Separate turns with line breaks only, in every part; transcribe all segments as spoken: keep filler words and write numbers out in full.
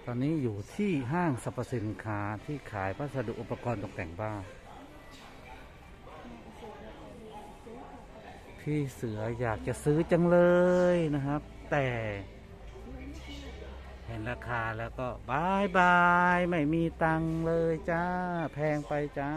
ตอนนี้อยู่ที่ห้างสรรพสินค้าที่ขายวัสดุอุปกรณ์ตกแต่งบ้านพี่เสืออยากจะซื้อจังเลยนะครับแต่เห็นราคาแล้วก็บายบายไม่มีตังค์เลยจ้าแพงไปจ้า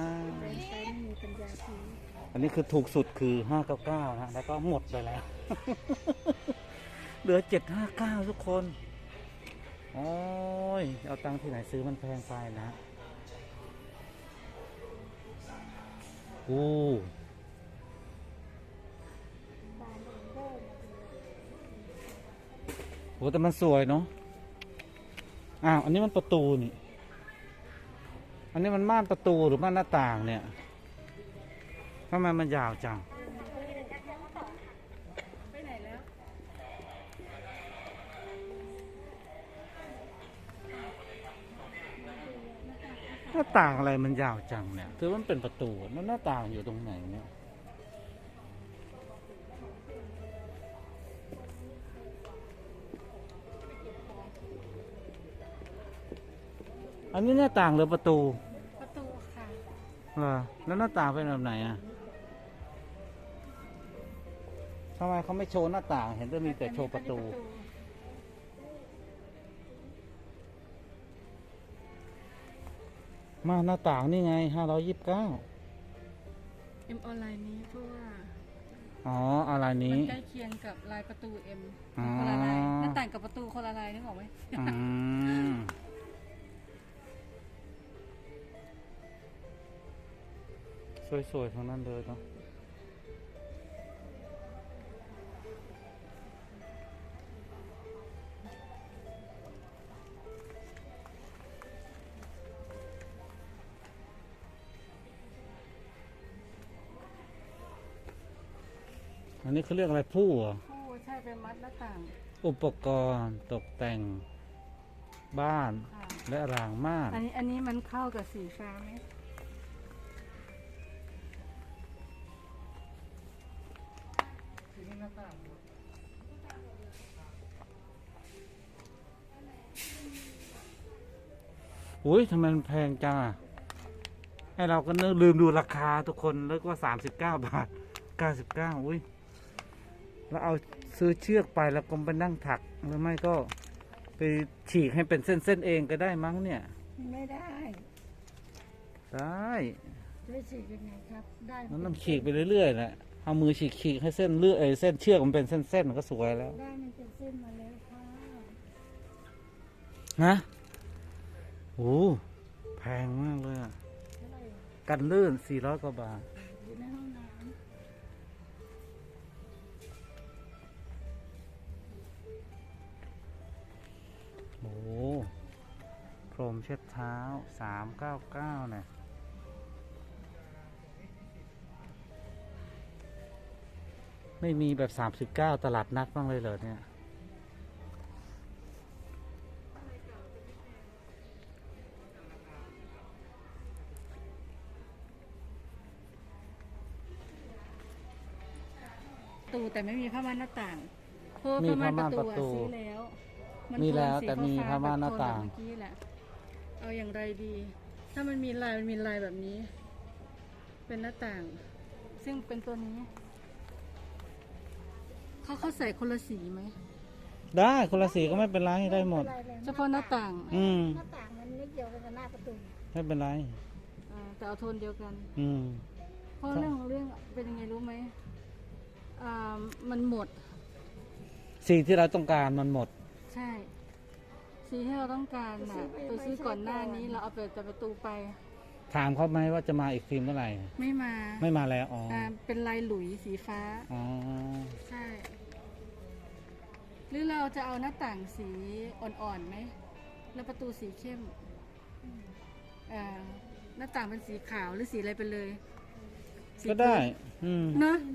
อันนี้คือถูกสุดคือห้าเก้าเก้านะแล้วก็หมดไปแล้ว เหลือเจ็ดห้าเก้าทุกคนโอ้ยเอาตังค์ที่ไหนซื้อมันแพงไปนะโอ้โหแต่มันสวยเนาะอ้าวอันนี้มันประตูนี่อันนี้มันม่านประตูหรือม่านหน้าต่างเนี่ยทำไมมันยาวจังหน้าต่างอะไรมันยาวจังเนี่ยคือมันเป็นประตูแล้วหน้าต่างอยู่ตรงไหนเนี่ยอันนี้หน้าต่างหรือประตู
ประตูค่ะ
เหรอแล้วหน้าต่างเป็นแบบไหนอ่ะทำไมเขาไม่โชว์หน้าต่างเห็นจะมีแต่โชว์ประตูมาหน้าต่างนี่ไงห้าร้อยยี่สิบเก้า
เอ็มออนไลน์นี้เพราะว่า
อ๋ออะไรนี้
มันใกล้เคียงกับลายประตูเอ็มคนละลายหน้าต่างกับประตูคนละลายนึกออกไหม
อืมสวยๆทั้งนั้นเลยเนาะอันนี้เขาเรียกอะไรผู้เหรอ
ผู้ใช่เป็นมัดหน้าต่าง
อุปกรณ์ตกแต่งบ้านและรางม่าน
อันนี้อันนี้มันเข้ากับสีฟ้าไหม
อุ้ยทำไมมันแพงจังอ่ะให้เราก็นึกลืมดูราคาทุกคนนึกว่าสามสิบเก้าบาทเก้าสิบเก้าอุ้ยแล้วเอาซื้อเชือกไปแล้วก็ไปนั่งถักหรือไม่ก็ไปฉีกให้เป็นเส้นๆเองก็ได้มั้งเนี่ย
ไม่ได้
ได้
ได้ฉีกยังไงครับได้
มันต้องฉีกไปเรื่อยๆแหละเอามือฉีกฉีกให้เส้นเลือดเอเส้นเชือกมันเป็นเส้นๆมันก็สวยแล้ว
ได้มันเป็นเส้นมาแล้วค่ะ
นะโอ้แพงมากเลยอ่ะกันลื่นสี่ร้อยกว่าบาท
อยู่ในห้องน้
ำโอ้พรมเช็ดเท้าสามเก้าเก้าเนี่ยไม่มีแบบสามสิบเก้าตลาดนัดบ้างเลยเหรอเนี่ย
ประตูแต่ไม่มีผ้าม่านหน้าต่างเพราะผ้าม่านประตูซื้อแล้ว
มีแล้วแต่มีผ้าม่านหน้าต่าง
เมื่อกี้แหละเอาอย่างไรดีถ้ามันมีลายมันมีลายแบบนี้เป็นหน้าต่างซึ่งเป็นตัวนี้เขาเขาใส่คนละสีไหม
ได้คนละสีก็ไม่เป็นไรได้หมด
เฉพาะหน้าต่าง
อืม
หน้าต่างมันไม่เกี่ยวกับหน้าประตู
ไม่เป็นไร
แต่เอาโทนเดียวกัน
อืม
เพราะเรื่องของเรื่องเป็นยังไงรู้ไหมอ่ามันหมด
สีที่เราต้องการมันหมด
ใช่สีที่เราต้องการน่ะไปซื้อก่อนหน้านี้เราเอาไปจากประตูไป
ถามเขาไหมว่าจะมาอีกฟิล์มเมื่อไหร่
ไม่มา
ไม่มาแล้วอ๋อ
เป็นลายหลุยสีฟ้า
อ๋อ
ใช่หรือเราจะเอาหน้าต่างสีอ่อนๆไหมแล้วประตูสีเข้มอ่าหน้าต่างเป็นสีขาวหรือสีอะไรไปเลย
ก็ได้อืม
เนอะ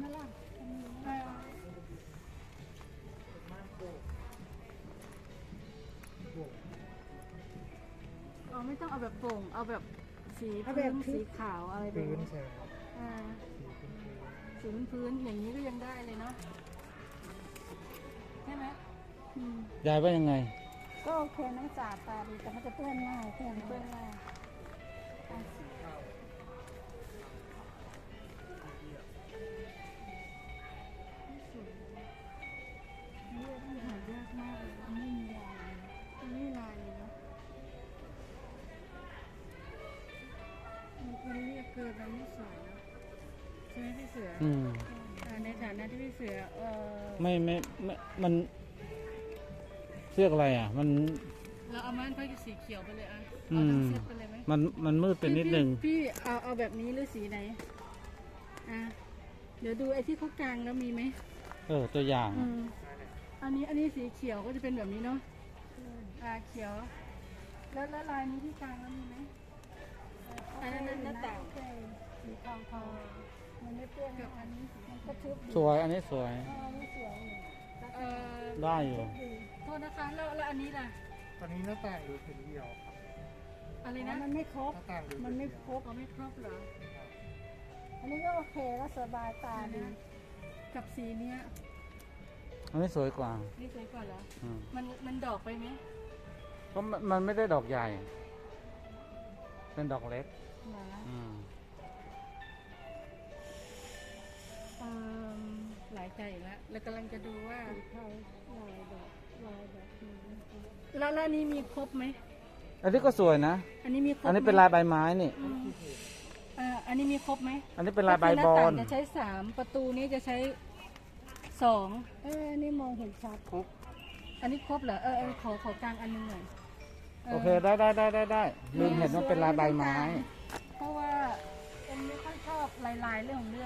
เอาไม่ต้องเอาแบบโปร่งเอาแบบสีพื้นสีขาวอะไรแบบนี้สีพื้นอย่างนี้ก็ยังได้เลยเนาะใช่ไหม
ยายว่ายังไง
ก็โอเคนะสะอาดตาดีแต่มันจะเปื้อนง่ายเปื้อนเปื้อนง่ายอ่ะเลือกมันหายากมากเลยมันไม่มีลาย
มันไม่ลายเลยเนาะมันมันเรียกเกินมันไม่สวยเนาะใช่ไหมพี่เสือ
อืม
อ่าในฐานะที่พี่เสือเออ
ไม่ไม่ไม่มันเรียกอะไรอ่ะ มัน
เราเอาม่านค่อยสีเขียวไปเลยอ่ะ
อื
เอา
ม
ทั้งเซตไปเลยไหม
มันมันมืดไปนิดนึง
พี่พี่เอาเอาแบบนี้หรือสีไหนอ่ะเดี๋ยวดูไอ้ที่เขากลางแล้วมีไหม
เออ ตัวอย่าง
อืมอันนี้อันนี้สีเขียวก็จะเป็นแบบนี้เนาะอ่าเขียว แล้วแล้วลายนี้ที่กลางแล้วมีไหมอันนั้นหน้าต่าง
โอเคสีทองทองมันไม่เปื้อน
กับอันนี้สี
มันก็ชุบดี
สวย อันนี้สวย
เออนี่สวยอยู่
เออ
ได้อยู่
ดี
โทษนะคะแล้วแล้วอันนี้ล่ะ
ตอนนี้หน้าต่างดูเป็นเดียวครับ
อะไร
อ๋อ
นะ
มันไม่ครบ
หน้าต่างดู
มันไม่ครบ
เขาไม่ครบเหรอ
อันนี้ก็โอเคแล้วสบายตาดี
กับสีเนี้ย
อันนี้สวยกว่า
นี่สวยกว่าเหรอ
อืม
มันมันดอกไปไหม
ก็มันมันไม่ได้ดอกใหญ่ เป็นดอกเล็ก
เหรอ
อืม
เอิ่มหลายใจอีกแล้วแล้วกำลังจะดูว่า
สีเทาลายแบบลายแบบนี้
แล้วแล้วอันนี้มีครบไหม
อันนี้ก็สวยนะ
อันนี้มีครบ
อันนี้
ไหม
เป็นลายใบไม้นี่
อืมอ่าอันนี้มีครบไหม
อันนี้เป็นลายใบ
ก็คืห
บ
น้า
อ
ต่าง
ล
จะใช้สามประตูนี้จะใช้สอง
เออนี่มองเห็นชัด
อันนี้ครบเหรอเออเออขอขอกลางอันหนึงหน่อย
โอเค ได้ได้ได้ได้ได้ลืมเห็นว่าเป็นลายใบไม้
เพราะว่าเอ็มไม่ค่อยชอบลายลายๆเรื่องของเรื่อง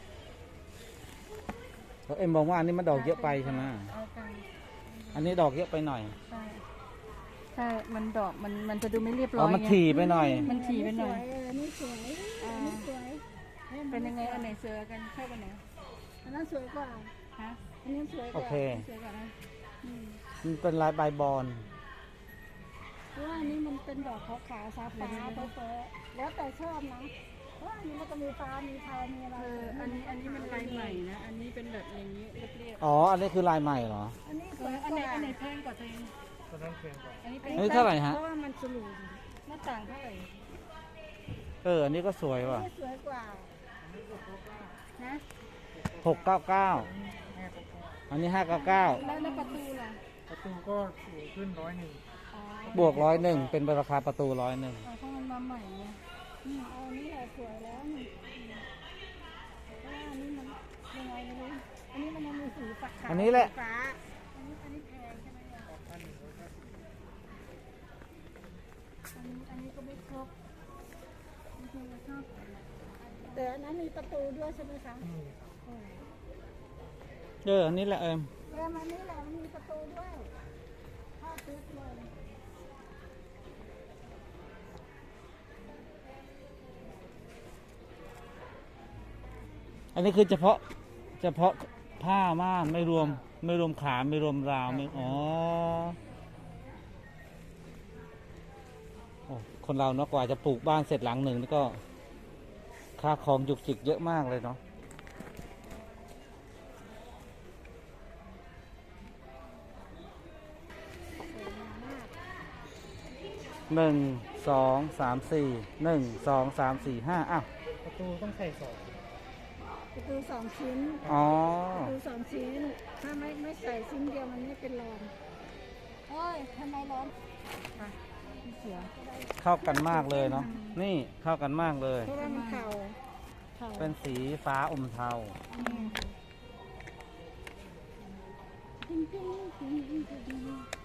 แล้วเอ็มบอกว่าอันนี้มันดอกเยอะไปใช่ไหม
เอากลาง
อันนี้ดอกเยอะไปหน่อย
ใช่ใช่มันดอกมันมันจะดูไม่เรียบร้
อ๋
อ
อย มัน
ไง
ถี่ไปหน่อย
มันถี่ไปหน่อย
เออนี่สวยอันนี้สวย
เป็นยังไงอันไหนเสือกันชอบอันไหน
อันนั้นสวยกว่า
ฮะ
อันนี้สวยก
โอ
ว่า
เค
เสือกันนะ
อืม
มันเป็นลายใบบอล
เพราะว่าอันนี้มันเป็นดอกขาวขาวๆฟ้าฟ้าเฟ้อเฟ้อๆแล้วแต่ชอบนะเพราะว่าอันนี้มันก็มีฟ้ามีเทามีอะไร
เอออันนี้อันนี้มันลายใหม่นะอันนี้เป็นแบบอย่างนี้เรียบ
อ๋อ อันนี้คือลายใหม่เหรอ
อันนี้
ๆ
ส
เอ
วย
อก อันไหน
ว่า
อันไหนแพงกว่าตัวเอง
ตอนนั้นเพลงก่อน
อันนี้เป็น
อันนี้เท่าไหร่ฮะ
เพราะว่ามันสลูน
หน้าต่างเท่าไหร่
เออ อันนี้ก็สวยว่ะ
นี่สวยกว่า
นะ
หกเก้าเก้า
ห้าก็ก็
อันนี้ห้าเก้าเก้า
แล้วแล้วประตูล่ะ
ประตูก็สูงขึ้นร้อยหนึ่ง
อ๋อบ
วกร้อยหนึ่งเป็นราคาประตูร้อยหนึ่ง
เอาเพราะมันมาใหม่ไง
อืมเอาอันนี้แหละสวยแล้วนี่เพราะว่าอันนี้มันยังไงไม่รู้อันนี้มันยังมีสีฝักขาว
อันนี้แหละ
สีฟ้าอันนี้อันนี้แพงใช่ไหมเนี่ย
พันหนึ่งร้อยห้าสิบ
อันนี้อันนี้ก็ไม่ครบจริงๆเราชอบ
แต่อันนั้นมีประตูด้วยใช่ไหมคะ
อืม
เออ
เออ อันนี้แหละเอ็ม
เออมันนี่แหละมันมีประตูด้วยเข้าตึกเลย
อันนี้คือเฉพาะ เฉพาะผ้าม่านไม่รวม ไม่รวมขาไม่รวมราวไม่อ๋อโอ้คนเราเนาะกว่าจะปลูกบ้านเสร็จหลังหนึ่งนี่ก็ค่าของจุกจิกเยอะมากเลยเนาะหนึ่งสองสามสี่หนึ่งสองสามสี่ห้าอ้าว
ประตูต้องใส่สอง
ประตูสองชิ้น
อ๋อ
ประตูสองชิ้น ถ้าไม่ไม่ใส่ชิ้นเดียวมันไม่เป็นรอนโอ้ยทำไมร้อน
พี่เสือ
เข้ากันมากเลยเนาะนี่เข้ากันมากเลย
เพราะว่ามันเข่าเข่า
เป็นสีฟ้าอมเทา
จริงจริงจริงจริง